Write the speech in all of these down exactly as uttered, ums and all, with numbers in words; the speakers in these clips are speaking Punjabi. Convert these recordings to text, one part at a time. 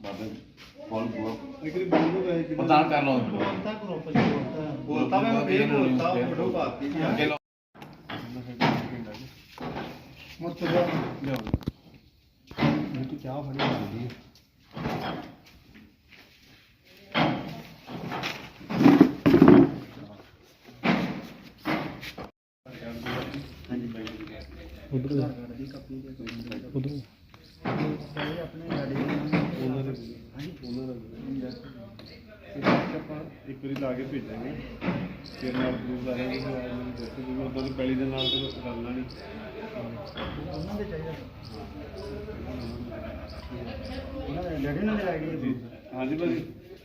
ਪ੍ਰਦਾਨ ਕਰ ਲਓ ਬੋਲਤਾ ਮੈਂ ਫੇਰ ਬੋਲਤਾ ਫੋਟੋ ਪਾਤੀ ਚਲੋ ਮਤ ਲਿਆ ਲਿਆ ਇਹ ਤਾਂ ਚਾਹ ਫੜੀ ਜਾਂਦੀ ਹੈ उधर उधर ਆਪਣੇ ਗਾੜੀ ਉਹਨਾਂ ਦੇ ਹਾਂਜੀ ਉਹਨਾਂ ਦਾ ਆਪਾਂ ਇੱਕ ਵਾਰੀ ਲਾ ਕੇ ਭੇਜਾਂਗੇ ਫਿਰ ਨਾਲ ਪ੍ਰੂਫ ਆ ਜਾਏਗੀ ਫਿਰ ਆਇਆ ਮੈਨੂੰ ਦੱਸੋ ਕਿ ਉਦੋਂ ਦੀ ਪਹਿਲੀ ਦੇ ਨਾਲ ਤਾਂ ਕਰਨਾ ਨਹੀਂ ਉਹਨਾਂ ਦੇ ਚਾਹੀਦਾ ਉਹਨਾਂ ਦੇ ਲੜੇ ਨਾਲ ਆ ਗਈ ਹਾਂਜੀ ਭਾਜੀ।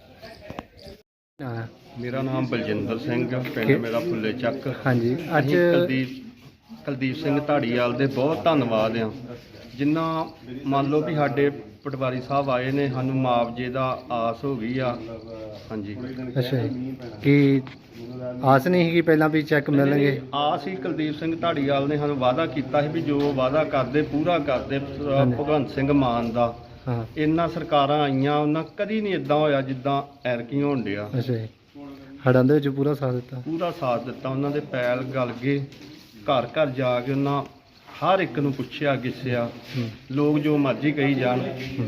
हाँ ਮੇਰਾ ਨਾਮ ਬਲਜਿੰਦਰ ਸਿੰਘ ਆ, ਪਿੰਡ ਮੇਰਾ ਫੁੱਲੇ ਚੱਕ। हाँ जी अज ਅਸੀਂ ਕੁਲਦੀਪ ਕੁਲਦੀਪ ਸਿੰਘ ਢਾੜੀਵਾਲ ਦੇ ਬਹੁਤ ਧੰਨਵਾਦ ਆ ਜਿਨ੍ਹਾਂ ਮੰਨ ਲਓ ਵੀ ਸਾਡੇ ਪਟਵਾਰੀ ਸਾਹਿਬ ਆਏ ਨੇ, ਸਾਨੂੰ ਮੁਆਵਜ਼ੇ ਦਾ ਆਸ ਹੋ ਗਈ ਆ। ਹਾਂਜੀ अच्छा कि आस नहीं कि पहला भी चेक मिलेंगे। ਆਸ ਹੀ ਕੁਲਦੀਪ ਸਿੰਘ ਢਾੜੀਵਾਲ ਨੇ ਸਾਨੂੰ ਵਾਅਦਾ ਕੀਤਾ ਸੀ ਵੀ ਜੋ ਵਾਅਦਾ ਕਰਦੇ ਪੂਰਾ ਕਰਦੇ। ਭਗਵੰਤ ਸਿੰਘ ਮਾਨ ਦਾ हाँ ਇਹਨਾਂ ਸਰਕਾਰਾਂ ਆਈਆਂ ਉਹਨਾਂ ਕਦੀ ਨਹੀਂ ਇਦਾਂ ਹੋਇਆ ਜਿੱਦਾਂ ਐਰਕੀ ਹੋਣ ਡਿਆ। अच्छा ਹੜਾਂ ਦੇ ਵਿੱਚ ਪੂਰਾ ਸਾਥ ਦਿੱਤਾ। ਪੂਰਾ ਸਾਥ ਦਿੱਤਾ ਉਹਨਾਂ ਦੇ ਪੈਲ ਗਲ ਗਏ, ਘਰ ਘਰ ਜਾ ਕੇ ਉਹਨਾਂ ਹਰ ਇੱਕ ਨੂੰ ਪੁੱਛਿਆ ਗਿੱਸਿਆ। ਲੋਕ ਜੋ ਮਰਜ਼ੀ ਕਹੀ ਜਾਣ।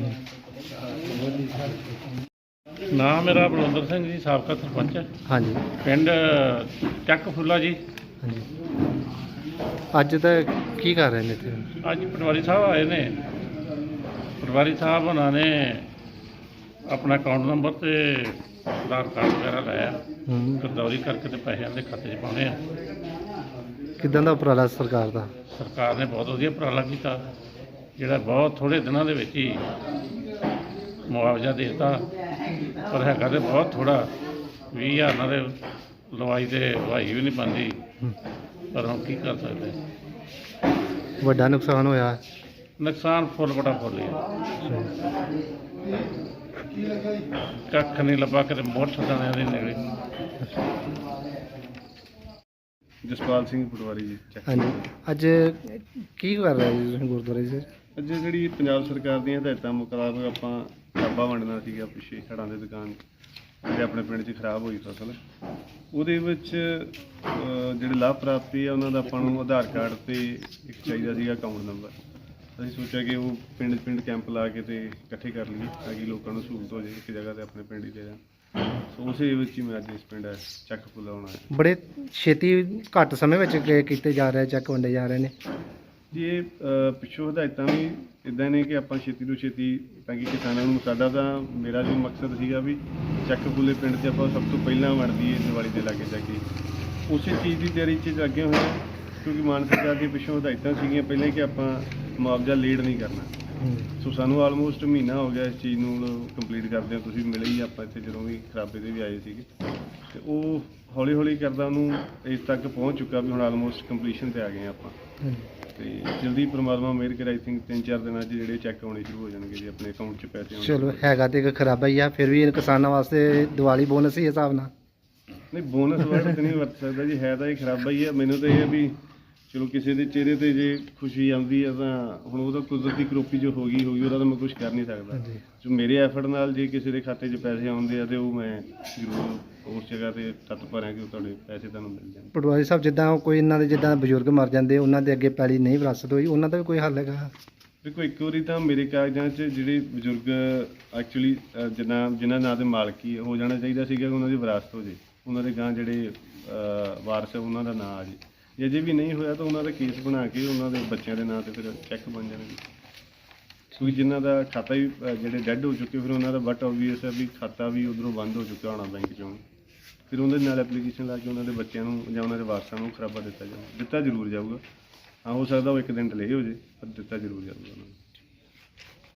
ਨਾਮ ਮੇਰਾ ਬਲਵੰਦਰ ਸਿੰਘ ਜੀ, ਸਾਬਕਾ ਸਰਪੰਚ, हाँ जी ਪਿੰਡ ਚੱਕ ਫੁੱਲਾ ਜੀ। हाँ जी ਅੱਜ ਤਾਂ ਕੀ ਕਰ ਰਹੇ ਨੇ ਇੱਥੇ? ਅੱਜ ਪਟਵਾਰੀ ਸਾਹਿਬ ਆਏ ਨੇ। ਪਟਵਾਰੀ ਸਾਹਿਬ ਉਹਨਾਂ ਨੇ ਆਪਣਾ ਅਕਾਊਂਟ ਨੰਬਰ ਤੇ ਆਧਾਰ ਕਾਰਡ ਵਗੈਰਾ ਲਾਇਆ, ਹੂੰ ਗਰਦੌਰੀ ਕਰਕੇ ਤੇ ਪੈਸਿਆਂ ਦੇ ਖਾਤੇ 'ਚ ਪਾਉਣੇ ਆ। ਕਿੱਦਾਂ ਦਾ ਉਪਰਾਲਾ ਸਰਕਾਰ ਦਾ? ਸਰਕਾਰ ਨੇ ਬਹੁਤ ਵਧੀਆ ਉਪਰਾਲਾ ਕੀਤਾ, ਜਿਹੜਾ ਬਹੁਤ ਥੋੜ੍ਹੇ ਦਿਨਾਂ ਦੇ ਵਿੱਚ ਹੀ ਮੁਆਵਜ਼ਾ ਦੇ ਦਿੱਤਾ। ਪਰ ਹੈਗਾ ਤੇ ਬਹੁਤ ਥੋੜ੍ਹਾ, ਵੀਹ ਹਜ਼ਾਰ ਨਾਲ ਦੇ ਲਵਾਈ ਤੇ ਲਵਾਈ ਵੀ ਨਹੀਂ ਬਣਦੀ, ਪਰ ਹੁਣ ਕੀ ਕਰ ਸਕਦੇ। ਵੱਡਾ ਨੁਕਸਾਨ ਹੋਇਆ। ਨੁਕਸਾਨ ਫੁੱਲ ਬੜਾ ਫੁੱਲ ਹੀ ਆ। ਕੱਖ ਨਹੀਂ ਲੱਭਾ, ਕਿਤੇ ਮੁੱਠ ਦਾਣਿਆਂ ਦੀ ਨਿਕਲੀ। ਜਸਪਾਲ ਸਿੰਘ ਪਟਵਾਰੀ ਜੀ ਚੱਕ। ਹਾਂਜੀ ਅੱਜ ਕੀ ਕਰ ਰਹੇ ਜੀ ਤੁਸੀਂ ਗੁਰਦੁਆਰੇ 'ਚ? ਅੱਜ ਜਿਹੜੀ ਪੰਜਾਬ ਸਰਕਾਰ ਦੀਆਂ ਹਦਾਇਤਾਂ ਮੁਤਾਬਕ ਆਪਾਂ ਕਿਤਾਬਾਂ ਵੰਡਣਾ ਸੀਗਾ ਪਿੱਛੇ ਹੜ੍ਹਾਂ ਦੇ ਦੁਕਾਨ ਜਿਹੜੇ ਆਪਣੇ ਪਿੰਡ 'ਚ ਖਰਾਬ ਹੋਈ ਫਸਲ, ਉਹਦੇ ਵਿੱਚ ਅਹ, ਜਿਹੜੇ ਲਾਭ ਪ੍ਰਾਪਤੀ ਆ ਉਹਨਾਂ ਦਾ ਆਪਾਂ ਨੂੰ ਆਧਾਰ ਕਾਰਡ ਤੇ ਇੱਕ ਚਾਹੀਦਾ ਸੀਗਾ ਅਕਾਊਂਟ ਨੰਬਰ। ਅਸੀਂ ਸੋਚਿਆ ਕਿ ਉਹ ਪਿੰਡ ਪਿੰਡ ਕੈਂਪ ਲਾ ਕੇ ਤੇ ਇਕੱਠੇ ਕਰ ਲਈਏ ਤਾਂ ਕਿ ਲੋਕਾਂ ਨੂੰ ਸਹੂਲਤ ਹੋ ਜਾਏ, ਇੱਕ ਜਗ੍ਹਾ ਤੇ ਆਪਣੇ ਪਿੰਡ ਹੀ ਦੇ ਜਾਣ। ਸੋ ਉਸੇ ਵਿੱਚ ਹੀ ਮੈਂ ਅੱਜ ਇਸ ਪਿੰਡ ਚੱਕ ਫੁੱਲਾ ਆਉਣਾ ਹੈ। ਬੜੇ ਛੇਤੀ ਘੱਟ ਸਮੇਂ ਵਿੱਚ ਕ- ਕੀਤੇ ਜਾ ਰਹੇ ਚੈੱਕ ਵੰਡੇ ਜਾ ਰਹੇ ਨੇ ਜੀ ਇਹ ਅਹ, ਪਿੱਛੋਂ ਹਦਾਇਤਾਂ ਵੀ ਇੱਦਾਂ ਨੇ ਕਿ ਆਪਾਂ ਛੇਤੀ ਤੋਂ ਛੇਤੀ ਤਾਂ ਕਿ ਕਿਸਾਨਾਂ ਨੂੰ, ਸਾਡਾ ਤਾਂ ਮੇਰਾ ਜੋ ਮਕਸਦ ਸੀਗਾ ਵੀ ਚੱਕ ਫੁੱਲੇ ਪਿੰਡ 'ਚ ਆਪਾਂ ਸਭ ਤੋਂ ਪਹਿਲਾਂ ਵੰਡ ਦਈਏ ਦੀਵਾਲੀ ਦੇ ਲਾਗੇ ਜਾ ਕੇ। ਉਸੇ ਚੀਜ਼ ਦੀ ਤਿਆਰੀ 'ਚ ਲੱਗੇ ਹੋਏ ਹਾਂ ਕਿਉਂਕਿ ਮਾਨ ਸਰਕਾਰ ਦੀ ਪਿੱਛੋਂ ਹਦਾਇਤਾਂ ਸੀਗੀਆਂ ਪਹਿਲਾਂ ਕਿ ਆਪਾਂ ਮੁਆਵਜ਼ਾ ਲੇਟ ਨਹੀਂ ਕਰਨਾ। ਸੋ ਸਾਨੂੰ ਆਲਮੋਸਟ ਮਹੀਨਾ ਹੋ ਗਿਆ ਇਸ ਚੀਜ਼ ਨੂੰ ਕੰਪਲੀਟ ਕਰਦਿਆਂ। ਤੁਸੀਂ ਮਿਲੇ ਹੀ ਆਪਾਂ ਇੱਥੇ ਜਦੋਂ ਵੀ ਖਰਾਬੇ ਦੇ ਵੀ ਆਏ ਸੀਗੇ, ਤੇ ਉਹ ਹੌਲੀ ਹੌਲੀ ਕਰਦਾ ਉਹਨੂੰ ਇਸ ਤੱਕ ਪਹੁੰਚ ਚੁੱਕਾ ਵੀ ਹੁਣ ਆਲਮੋਸਟ ਕੰਪਲੀਸ਼ਨ 'ਤੇ ਆ ਗਏ ਆਪਾਂ। ਤੇ ਜਲਦੀ ਪਰਮਾਤਮਾ ਮਿਹਰ ਕਰੇ, ਆਈ ਥਿੰਕ ਤਿੰਨ ਚਾਰ ਦਿਨਾਂ 'ਚ ਜਿਹੜੇ ਚੈੱਕ ਆਉਣੇ ਸ਼ੁਰੂ ਹੋ ਜਾਣਗੇ ਜੀ ਆਪਣੇ ਅਕਾਊਂਟ 'ਚ ਪੈਸੇ ਆਉਣੇ। ਚਲੋ ਹੈਗਾ ਤੇ ਇੱਕ ਖਰਾਬਾ ਹੀ ਆ, ਫਿਰ ਵੀ ਕਿਸਾਨਾਂ ਵਾਸਤੇ ਦੀਵਾਲੀ ਬੋਨਸ ਹੀ ਹਿਸਾਬ ਨਾਲ। ਨਹੀਂ ਬੋਨਸ ਵਰਡ ਤਾਂ ਨਹੀਂ ਵਰਤ ਸਕਦਾ ਜੀ, ਹੈ ਤਾਂ ਇਹ ਖਰਾਬਾ ਹੀ ਹੈ। ਮੈਨੂੰ ਤਾਂ ਇਹ ਹੈ ਵੀ ਚਲੋ ਕਿਸੇ ਦੇ ਚਿਹਰੇ ਤੇ ਜੇ ਖੁਸ਼ੀ ਆਉਂਦੀ ਹੈ ਤਾਂ ਹੁਣ ਉਹਦਾ ਕੁਦਰਤੀ ਕਰੋਪੀ ਜੋ ਹੋ ਗਈ ਹੋ ਗਈ ਉਹਦਾ ਤਾਂ ਮੈਂ ਕੁਝ ਕਰ ਨਹੀਂ ਸਕਦਾ। ਜੋ ਮੇਰੇ ਐਫਰਟ ਨਾਲ ਜੇ ਕਿਸੇ ਦੇ ਖਾਤੇ 'ਚ ਪੈਸੇ ਆਉਂਦੇ ਆ ਤੇ ਉਹ ਮੈਂ ਜ਼ਰੂਰ ਉਸ ਜਗ੍ਹਾ ਤੇ ਤੱਤ ਭਰਾਂ ਕਿ ਉਹ ਤੁਹਾਡੇ ਪੈਸੇ ਤੁਹਾਨੂੰ ਮਿਲ ਜਾਣ। ਪਟਵਾਰੀ ਸਾਹਿਬ ਜਿੱਦਾਂ ਕੋਈ ਇਹਨਾਂ ਦੇ ਜਿੱਦਾਂ ਬਜ਼ੁਰਗ ਮਰ ਜਾਂਦੇ ਉਹਨਾਂ ਦੇ ਅੱਗੇ ਪੈਲੀ ਨਹੀਂ ਵਿਰਾਸਤ ਹੋਈ, ਉਹਨਾਂ ਦਾ ਵੀ ਕੋਈ ਹੱਲ ਹੈਗਾ? ਦੇਖੋ ਇੱਕ ਵਾਰੀ ਤਾਂ ਮੇਰੇ ਕਾਗਜ਼ਾਂ 'ਚ ਜਿਹੜੇ ਬਜ਼ੁਰਗ ਐਕਚੁਅਲੀ ਜਿਨ੍ਹਾਂ ਜਿਨ੍ਹਾਂ ਨਾਂ ਦੇ ਮਾਲਕੀ ਹੋ ਜਾਣਾ ਚਾਹੀਦਾ ਸੀਗਾ, ਉਹਨਾਂ ਦੀ ਵਿਰਾਸਤ ਹੋ ਜੇ, ਉਹਨਾਂ ਦੇ ਗਾਂ ਜਿਹੜੇ ਵਾਰਸ ਉਹਨਾਂ ਦਾ ਨਾਂ ਆ ਜੇ। ਜੇ ਅਜੇ ਵੀ ਨਹੀਂ ਹੋਇਆ ਤਾਂ ਉਹਨਾਂ ਦਾ ਕੇਸ ਬਣਾ ਕੇ ਉਹਨਾਂ ਦੇ ਬੱਚਿਆਂ ਦੇ ਨਾਂ 'ਤੇ ਫਿਰ ਚੈੱਕ ਬਣ ਜਾਣਗੇ। ਕਿਉਂਕਿ ਜਿਨ੍ਹਾਂ ਦਾ ਖਾਤਾ ਵੀ ਜਿਹੜੇ ਡੈੱਡ ਹੋ ਚੁੱਕੇ, ਫਿਰ ਉਹਨਾਂ ਦਾ ਬਟ ਓਬਵੀਅਸ ਹੈ ਵੀ ਖਾਤਾ ਵੀ ਉੱਧਰੋਂ ਬੰਦ ਹੋ ਚੁੱਕਾ ਹੋਣਾ ਬੈਂਕ 'ਚੋਂ। ਫਿਰ ਉਹਦੇ ਨਾਲ ਐਪਲੀਕੇਸ਼ਨ ਲਾ ਕੇ ਉਹਨਾਂ ਦੇ ਬੱਚਿਆਂ ਨੂੰ ਜਾਂ ਉਹਨਾਂ ਦੇ ਵਾਰਸਾਂ ਨੂੰ ਖਰਾਬਾ ਦਿੱਤਾ ਜਾਊਗਾ। ਦਿੱਤਾ ਜ਼ਰੂਰ ਜਾਊਗਾ। ਹਾਂ ਹੋ ਸਕਦਾ ਉਹ ਇੱਕ ਦਿਨ ਡਿਲੇ ਹੋ ਜੇ, ਪਰ ਦਿੱਤਾ ਜ਼ਰੂਰ ਜਾਊਗਾ ਉਹਨਾਂ ਨੂੰ।